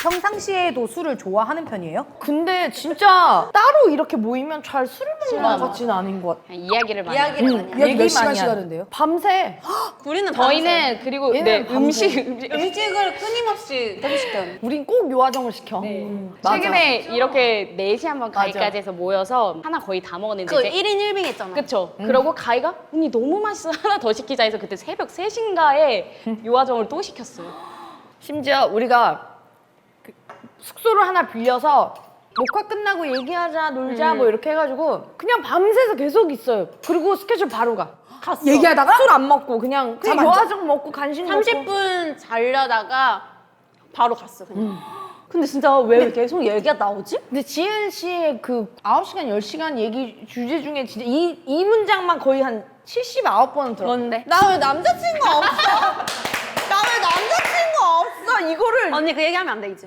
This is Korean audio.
평상시에도 술을 좋아하는 편이에요? 근데 진짜 따로 이렇게 모이면 잘 술을 먹는 것 같지는 않은 것 같아. 그냥 이야기를 많이 해요. 이야기를 많이 이야기 몇 많이 시간씩 하는. 하는데요? 밤새. 우리는 저희는 그리고 네, 얘는 밤새. 음식을 끊임없이 계속 시켜요. 우린 꼭 요아정을 시켜. 맞아. 최근에 이렇게 4시 한번 맞아. 가위까지 해서 모여서 하나 거의 다 먹었는데 그 이제 1인 1빙 했잖아. 그쵸. 그러고 가위가 언니 너무 맛있어 하나 더 시키자 해서 그때 새벽 3시인가에 요아정을 또 시켰어요. 심지어 우리가 그 숙소를 하나 빌려서 녹화 끝나고 얘기하자 놀자 뭐 이렇게 해가지고 그냥 밤새서 계속 있어요. 그리고 스케줄 바로 가. 갔어. 얘기하다가? 술 안 먹고 그냥 잠 안 자? 요아정 먹고 간식 먹고 30분 자려다가 바로 갔어 그냥. 근데 진짜 왜 계속 얘기가 나오지? 근데 지은 씨의 그 9시간, 10시간 얘기 주제 중에 진짜 이 문장만 거의 한 79번 들어. 뭔데? 나 왜 남자친구 없어? 나 왜 남자친구 없어? 이거를 아, 언니 그 얘기하면 안 돼 이제.